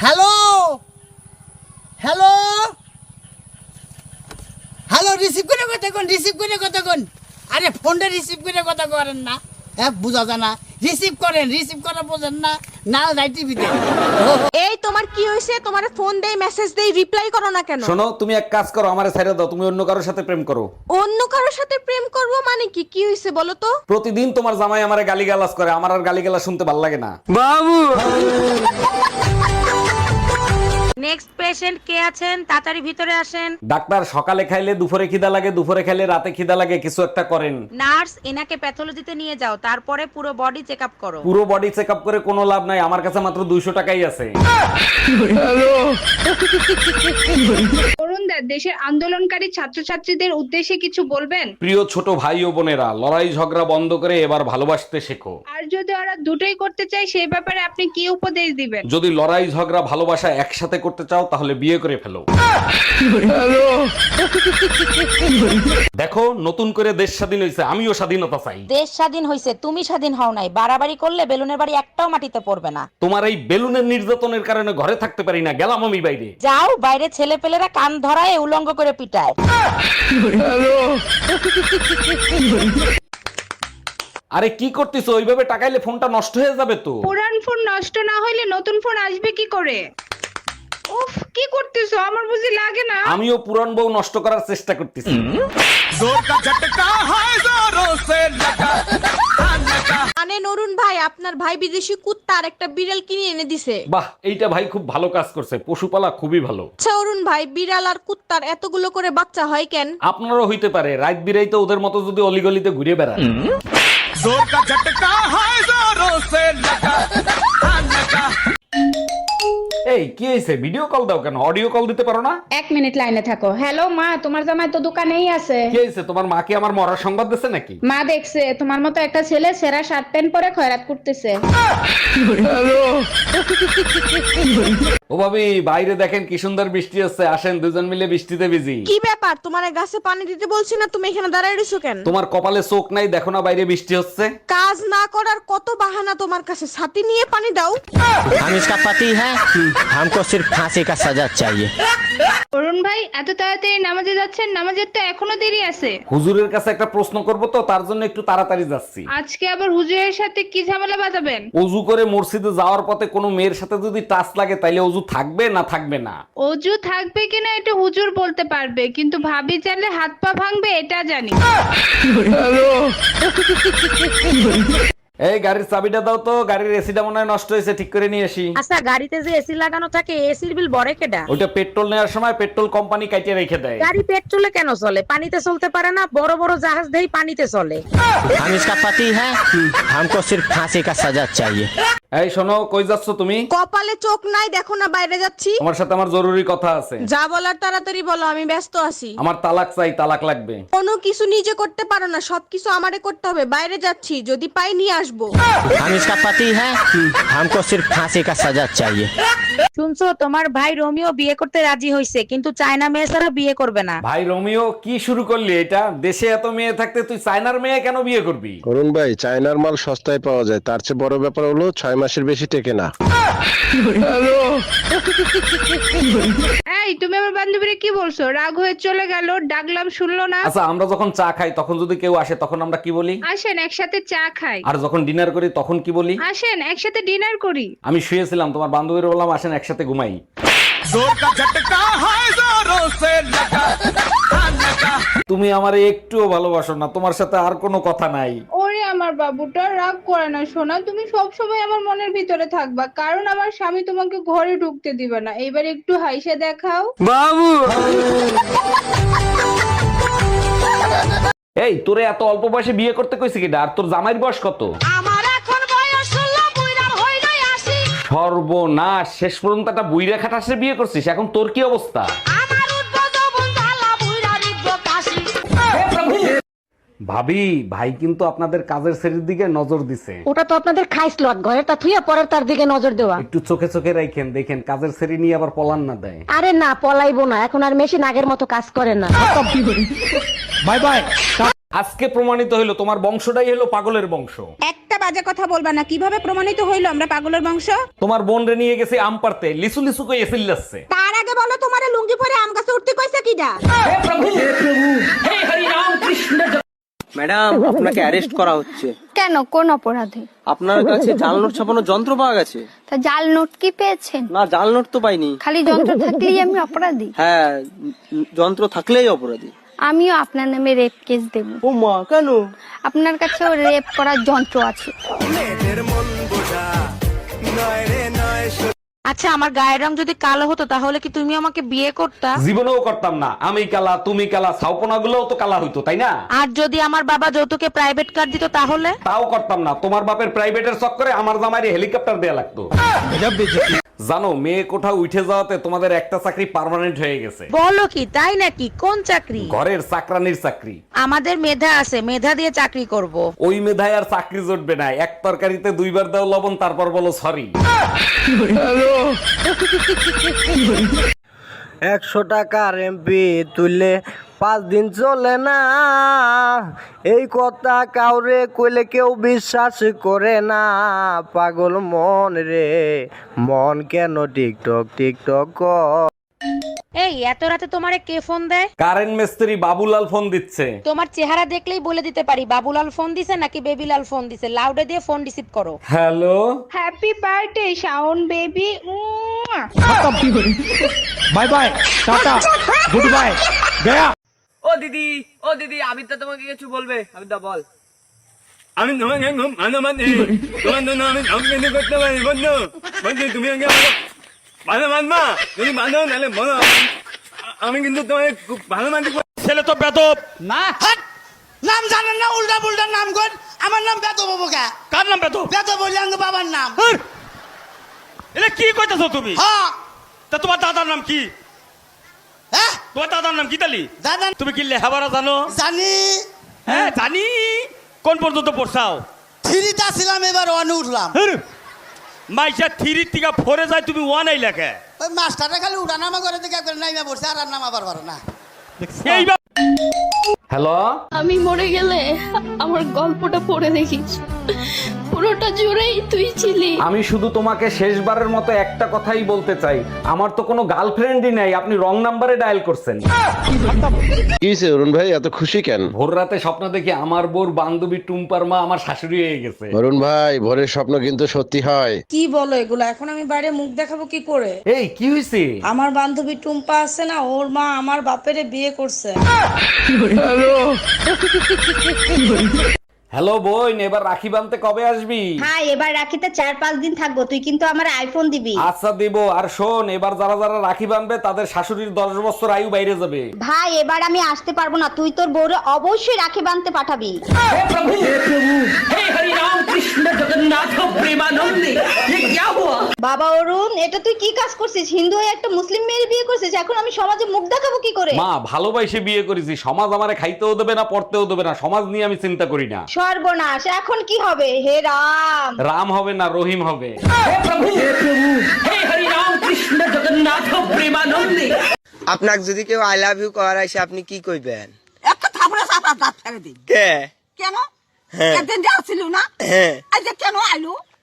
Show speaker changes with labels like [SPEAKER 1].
[SPEAKER 1] Hello hello hello receive করে কথা কোন আরে ফোনটা রিসিভ করে কথা করেন না হ্যাঁ বুঝা যায় না রিসিভ করা বোঝেন না না যাই টিভিতে
[SPEAKER 2] এই তোমার কি হয়েছে? তোমার ফোন দেই মেসেজ দেই রিপ্লাই করো না কেন?
[SPEAKER 3] শোনো, তুমি এক কাজ করো, আমারে ছেড়ে দাও, তুমি অন্য কারোর সাথে প্রেম করো।
[SPEAKER 2] অন্য কারোর সাথে প্রেম করব মানে কি? কি হয়েছে বলো তো?
[SPEAKER 3] প্রতিদিন তোমার জামাই আমারে গালিগালাজ করে, আমার আর গালিগালাজ শুনতে ভালো লাগে না।
[SPEAKER 2] নেক্সট পেশেন্ট কে আছেন? তাড়াতাড়ি ভিতরে আসেন।
[SPEAKER 3] ডাক্তার, সকালে খাইলে দুপুরে খিদা লাগে, দুপুরে খাইলে রাতে খিদা লাগে, কিছু একটা করেন।
[SPEAKER 2] নার্স, এনাকে প্যাথোলজিতে নিয়ে যাও, তারপরে পুরো বডি চেকআপ করো।
[SPEAKER 3] পুরো বডি চেকআপ করে কোনো লাভ নাই, আমার কাছে মাত্র 200 টাকাই আছে।
[SPEAKER 4] অরুণদা, দেশের আন্দোলনকারী ছাত্রছাত্রীদের উদ্দেশ্যে কিছু বলবেন?
[SPEAKER 3] প্রিয় ছোট ভাই ও বোনেরা, লড়াই ঝগড়া বন্ধ করে এবার ভালোবাসতে শেখো।
[SPEAKER 4] আর যদি ওরা দুটোই করতে চায় সেই ব্যাপারে আপনি কি উপদেশ দিবেন?
[SPEAKER 3] যদি লড়াই ঝগড়া ভালোবাসা একসাথে করতে চাও তাহলে বিয়ে করে ফেলো। দেখো, নতুন করে দেশ স্বাধীন হয়েছে, আমিও স্বাধীনতা চাই।
[SPEAKER 5] দেশ স্বাধীন হইছে, তুমি স্বাধীন হও নাই। বাড়াবাড়ি করলে বেলুনের বাড়ি একটাও মাটিতে পড়বে না।
[SPEAKER 3] তোমার এই বেলুনের নির্যাতনের কারণে ঘরে থাকতে পারি না, গেলাম আমি বাইরে।
[SPEAKER 5] যাও, বাইরে ছেলে পেলেরা কান ধরায় উলঙ্গ করে পিটায়।
[SPEAKER 3] আরে কি করতেছো? ওইভাবে টাকাইলে ফোনটা নষ্ট হয়ে যাবে তো।
[SPEAKER 4] পুরান ফোন নষ্ট না হইলে নতুন ফোন আসবে কি করে? উফ, কি করতেছো? আমার বুঝি লাগে না।
[SPEAKER 3] আমিও পুরান বউ নষ্ট করার চেষ্টা করতেছি।
[SPEAKER 2] মানে নরুন ভাই, আপনার ভাই বিদেশি কুত্তা আর একটা বিড়াল কিনে এনে দিছে।
[SPEAKER 3] বাহ, এইটা ভাই খুব ভালো কাজ করছে, পশুপালা খুবই ভালো।
[SPEAKER 2] আচ্ছা অরুণ ভাই, বিড়াল আর কুত্তার এতগুলো করে বাচ্চা হয় কেন?
[SPEAKER 3] আপনারও হইতে পারে, রাত বিরাইতে ওদের মতো যদি অলিগলিতে ঘুরে বেড়ান। এই কি হয়েছে? ভিডিও কল দাও কেন? অডিও কল দিতে পারো না?
[SPEAKER 4] 1 মিনিট লাইনে থাকো। হ্যালো মা, তোমার জামাই তো দোকানেই আছে।
[SPEAKER 3] কি হয়েছে? তোমার মা কি আমার মরার সংবাদ দিছে নাকি?
[SPEAKER 4] মা দেখছে তোমার মতো একটা ছেলে সেরা শার্ট প্যান্ট পরে খয়রাত করতেছে।
[SPEAKER 3] ও ভাবি, বাইরে দেখেন কি সুন্দর বৃষ্টি হচ্ছে, আসেন দুজন মিলে বৃষ্টিতে ভিজি।
[SPEAKER 2] কি ব্যাপার? তোমার গাছে পানি দিতে বলছি না, তুমি এখানে দাঁড়ায় রইছো কেন?
[SPEAKER 3] তোমার কপালে চোখ নাই, দেখো না বাইরে বৃষ্টি হচ্ছে।
[SPEAKER 2] কাজ না করার কত বাহানা তোমার কাছে, ছাতি নিয়ে পানি দাও।
[SPEAKER 6] हम इसका पति है, हमको सिर्फ फांसी का सजा चाहिए।
[SPEAKER 4] অরুণ ভাই, এত তাড়াতাড়ি নামাজে যাচ্ছেন? নামাজের তো এখনো দেরি আছে।
[SPEAKER 3] হুজুরের কাছে একটা প্রশ্ন করব তো, তার জন্য একটু তাড়াতাড়ি যাচ্ছি।
[SPEAKER 4] আজকে আবার হুজুরের সাথে কি ঝামেলা বাঁধাবেন?
[SPEAKER 3] অজু করে মসজিদে যাওয়ার পথে কোনো মেয়ের সাথে যদি টাচ লাগে তাইলে অজু থাকবে না থাকবে না?
[SPEAKER 4] অজু থাকবে কিনা এটা হুজুর বলতে পারবে, কিন্তু ভাবি চাইলে হাত পা ভাঙবে এটা জানি।
[SPEAKER 3] এই গাড়ির চাবিটা দাও তো, গাড়ির এসিটা মনে হয় নষ্ট হয়েছে, ঠিক করে নিয়ে আসি।
[SPEAKER 5] আচ্ছা, গাড়িতে যে এসি লাগানো থাকে, এসির বিল বড় কেডা?
[SPEAKER 3] ওইটা পেট্রোল নেওয়ার সময় পেট্রোল কোম্পানি কাটিয়ে রেখে দেয়।
[SPEAKER 5] গাড়ি পেট্রোলে কেন চলে? পানিতে চলতে পারে না? বড় বড় জাহাজ দেই পানিতে চলে।
[SPEAKER 6] हम इसका पति है, हमको सिर्फ फांसी का सजा चाहिए।
[SPEAKER 3] এই শোনো, কই যাচ্ছ তুমি?
[SPEAKER 2] কপালে চোখ নাই, দেখো না বাইরে যাচ্ছি।
[SPEAKER 3] তোমার সাথে আমার জরুরি কথা আছে।
[SPEAKER 2] যা বলার তাড়াতাড়ি বলো, আমি ব্যস্ত আছি।
[SPEAKER 3] আমার তালাক চাই, তালাক লাগবে।
[SPEAKER 2] কোনো কিছু নিজে করতে পারো না, সবকিছু আমারে করতে হবে। বাইরে যাচ্ছি, যদি পাই নিয়ে আসবো।
[SPEAKER 6] हम इसका पति है, हमको सिर्फ फांसी का सजा चाहिए।
[SPEAKER 5] শুনছো, তোমার ভাই রোমিও বিয়ে করতে রাজি হয়েছে, কিন্তু চায়না মেয়ে ছাড়া বিয়ে করবে না।
[SPEAKER 3] ভাই রোমিও, কি শুরু করলি এটা? দেশে এত মেয়ে থাকতে তুই চায়নার মেয়ে কেন বিয়ে করবি?
[SPEAKER 7] অরুণ ভাই, চায়নার মাল সস্তায় পাওয়া যায়, তার চেয়ে বড় ব্যাপার হলো 6 মাসের বেশি টেকে না।
[SPEAKER 4] এই, তুমি আমার বান্ধবীরে কি বলছো? রাগ হয়ে চলে গেল, ডাকলাম শুনলো না।
[SPEAKER 3] আচ্ছা, আমরা যখন চা খাই তখন যদি কেউ আসে তখন আমরা কি বলি?
[SPEAKER 4] আসেন একসাথে চা খাই।
[SPEAKER 3] আর যখন ডিনার করি তখন কি বলি?
[SPEAKER 4] আসেন একসাথে ডিনার করি।
[SPEAKER 3] আমি শুয়েছিলাম, তোমার বান্ধবীর বললাম আসেন একসাথে ঘুমাই। তুমি আমারে একটুও ভালোবাসো না, তোমার সাথে আর কোনো কথা নাই।
[SPEAKER 4] ওরে আমার বাবুটা, রাগ করে না সোনা, তুমি সব সময় আমার মনের ভিতরে থাকবা, কারণ আমার স্বামী তোমাকে ঘরে ঢুকতে দিবে না। এবার একটু হাইসে দেখাও।
[SPEAKER 3] এই, তোরে এত অল্প বয়সে বিয়ে করতে কইছে কিডা? আর তোর জামাইয়ের বয়স কত?
[SPEAKER 2] আমার এখন বয়স 16, বুইড়া হই নাই 80।
[SPEAKER 3] সর্বনাশ, শেষ পর্যন্ত একটা বুইড়া খাটাসে বিয়ে করছিস, এখন তোর কি অবস্থা?
[SPEAKER 2] আমার উদ্বোধ বন্ধালা, বুইড়া রিদ্র কাশি।
[SPEAKER 3] ভাবি, ভাই কিন্তু আপনাদের কাজের শ্রেণীর দিকে নজর দিছে।
[SPEAKER 5] ওটা তো আপনাদের খাইসলত, ঘরে তা থুইয়া পরের তার দিকে নজর দেওয়া।
[SPEAKER 3] একটু চোখে চোখে রাখেন, দেখেন কাজের শ্রেণী নিয়ে আবার পলান না দেয়।
[SPEAKER 5] আরে না, পলাইবো না, এখন আর মেশিন আগের মতো কাজ করে না।
[SPEAKER 3] Bye bye. আজকে প্রমাণিত হইলো তোমার বংশটাই হলো পাগলের বংশ।
[SPEAKER 2] একটা একটা বাজে কথা বলবা না। কিভাবে প্রমাণিত হইলো আমরা পাগলের বংশ?
[SPEAKER 3] তোমার বোন রে নিয়ে গেছে আম পারতে, লিসু লিসু কই এসিল যাচ্ছে।
[SPEAKER 2] তার আগে বলো তোমারে লুঙ্গি পরে আম গাছে উঠতে কইছে কিডা?
[SPEAKER 6] ম্যাডাম আপনাকে অ্যারেস্ট করা হচ্ছে।
[SPEAKER 8] কেন, কোন অপরাধে?
[SPEAKER 6] আপনার কাছে জাল নোট ছাপানোর যন্ত্র পাওয়া গেছে।
[SPEAKER 8] তা জাল নোট কি পেয়েছেন?
[SPEAKER 6] না, জাল নোট তো পাইনি।
[SPEAKER 8] খালি যন্ত্র থাকলেই আমি অপরাধী?
[SPEAKER 6] হ্যাঁ, যন্ত্র থাকলেই অপরাধী।
[SPEAKER 8] আমিও আপনার নামে রেপ কেস দেব।
[SPEAKER 6] ও মা, কেন?
[SPEAKER 8] আপনার কাছেও রেপ করার যন্ত্র আছে।
[SPEAKER 5] আচ্ছা, আমার গায়ের রং যদি কালো হতো তাহলে কি তুমি আমাকে বিয়ে করতা?
[SPEAKER 3] জীবনেও করতাম না। আমি কালা, তুমি কালা, ছাউপনা গুলোও তো কালা হইতো, তাই না?
[SPEAKER 5] আর যদি আমার বাবা যৌতুকে প্রাইভেট কার দিত তাহলে?
[SPEAKER 3] তাও করতাম না। তোমার বাপের প্রাইভেটের চক্করে আমার জামাইরে হেলিকপ্টার দেয়া লাগতো। জানো, মেয়ে কোঠাও উঠে যাওয়াতে তোমাদের একটা চাকরি পার্মানেন্ট হয়ে গেছে।
[SPEAKER 5] বলো কি, তাই নাকি? কোন চাকরি?
[SPEAKER 3] ঘরের চাকরানির চাকরি।
[SPEAKER 5] আমাদের মেধা আছে, মেধা দিয়ে চাকরি করব।
[SPEAKER 3] ওই মেধায় আর চাকরি জুটবে না। এক তরকারিতে দুইবার দাও লবণ, তারপর বলো সরি।
[SPEAKER 6] 100 টাকার এমপি তুললে 5 দিন চলে না, এই কথা কাউরে কইলে কেউ বিশ্বাস করে না। পাগল মন রে মন, কেন টিকটক টিকটক কর।
[SPEAKER 5] এই এত রাতে তোমারে কে ফোন দেয়?
[SPEAKER 3] কারেন্ট মিস্ত্রি বাবুলাল ফোন দিচ্ছে।
[SPEAKER 5] তোমার চেহারা দেখলেই বলে দিতে পারি বাবুলাল ফোন দিছে নাকি বেবিলাল ফোন দিছে। লাউডে দিয়ে ফোন রিসিভ করো।
[SPEAKER 3] Hello,
[SPEAKER 4] happy birthday Shaon baby.
[SPEAKER 6] Bye bye, tata, goodbye, গয়া।
[SPEAKER 9] ও দিদি আমি তো তোমাকে কিছু বলবে। আমি তো বল। আমি তোমাকে খুব ভালোবাসি। তোমার জন্য আমি সব কিছু করতে পারি বন্ধু। বন্ধু তুমি আমাকে ভালো মানবা? যদি ভালো তাহলে বলো। আমি কিন্তু তোমাকে খুব ভালোবাসি। ছেলে তো বেদব
[SPEAKER 1] না, হাট! নাম জানেন না, উল্টা পুল্টা নাম কর। আমার নাম বেদব বাবু কা।
[SPEAKER 9] কার নাম বেদব?
[SPEAKER 1] বেদব বললে আমার বাবার নাম।
[SPEAKER 9] এটা কি কইতাছো তুমি?
[SPEAKER 1] হ্যাঁ।
[SPEAKER 9] তা তোমার দাদার নাম কি?
[SPEAKER 1] হ্যাঁ?
[SPEAKER 9] তোমার দাদার নাম কি তালি?
[SPEAKER 1] দাদা
[SPEAKER 9] তুমি কি লেখাপড়া জানো?
[SPEAKER 1] জানি।
[SPEAKER 9] হ্যাঁ জানি। কোন পর্যন্ত পড়ছাও?
[SPEAKER 1] থ্রিটা ছিলাম, এবার ওয়ানে উঠলাম।
[SPEAKER 9] মাইসা 3 থেকে 4 যায়, তুমি 1 এই লেখে।
[SPEAKER 1] ওই মাস্টারটা খালি উঠানামা করে দেখে একবার নাইমা পড়ছে, আর নামাবার পারো না।
[SPEAKER 9] এইবার
[SPEAKER 3] হ্যালো।
[SPEAKER 8] আমি মরে গেলে আমার গল্পটা পড়ে দেখিস, পুরোটা জুড়েই তুই ছিলি।
[SPEAKER 3] আমি শুধু তোমাকে শেষবারের মতো একটা কথাই বলতে চাই, আমার তো কোনো গার্লফ্রেন্ডই নাই। আপনি রং নাম্বারে ডায়াল করছেন।
[SPEAKER 7] কি হয়েছে অরুণ ভাই, এত খুশি কেন?
[SPEAKER 3] ভোর রাতে স্বপ্ন দেখি আমার বোর বান্ধবী টুম্পার মা আমার শাশুড়ি হয়ে গেছে।
[SPEAKER 7] অরুণ ভাই, ভোরের স্বপ্ন কিন্তু সত্যি হয়।
[SPEAKER 2] কি বলো এগুলো? এখন আমি বাইরে মুখ দেখাবো কি করে?
[SPEAKER 3] এই কি হয়েছে?
[SPEAKER 2] আমার বান্ধবী টুম্পা আছে না, ওর মা আমার বাপেরে বিয়ে করছে।
[SPEAKER 3] হ্যালো বোন, এবার রাখি বাঁধতে কবে আসবি?
[SPEAKER 10] হ্যাঁ, এবার রাখিতে 4-5 দিন থাকবো। তুই কিন্তু আমার আইফোন দিবি।
[SPEAKER 3] আচ্ছা দিব। আর শোন, এবার যারা যারা রাখি বাঁধবে তাদের শাশুড়ির 10 বছর আয়ু বাইরে যাবে।
[SPEAKER 10] ভাই, এবার আমি আসতে পারবো না। তুই তোর বউরে অবশ্যই রাখি বাঁধতে পাঠাবি। বাবা অরুণ, এটা তুই কি কাজ করছিস? হিন্দু হয়ে একটা মুসলিম মেয়ের বিয়ে করছিস। এখন আমি সমাজে মুখ দেখাবো কি করে?
[SPEAKER 3] মা, ভালোবাসে বিয়ে করেছি। সমাজ আমারে খাইতেও দেবে না, পড়তেও দেবে না। সমাজ নিয়ে আমি চিন্তা করি না।
[SPEAKER 10] সর্বনাশ, এখন কি হবে? হে রাম।
[SPEAKER 3] রাম হবে না, রহিম হবে।
[SPEAKER 9] আপনাকে যদি কেউ আই লাভ ইউ করাইছে, আপনি কি কইবেন?
[SPEAKER 1] একটা থাপড়া চাপা দাঁত ফেলে দিই।
[SPEAKER 9] কে?
[SPEAKER 1] কেন?
[SPEAKER 9] হ্যাঁ।
[SPEAKER 1] একদিন যাচ্ছিল না?
[SPEAKER 9] হ্যাঁ।
[SPEAKER 1] আজ কেন আইলো?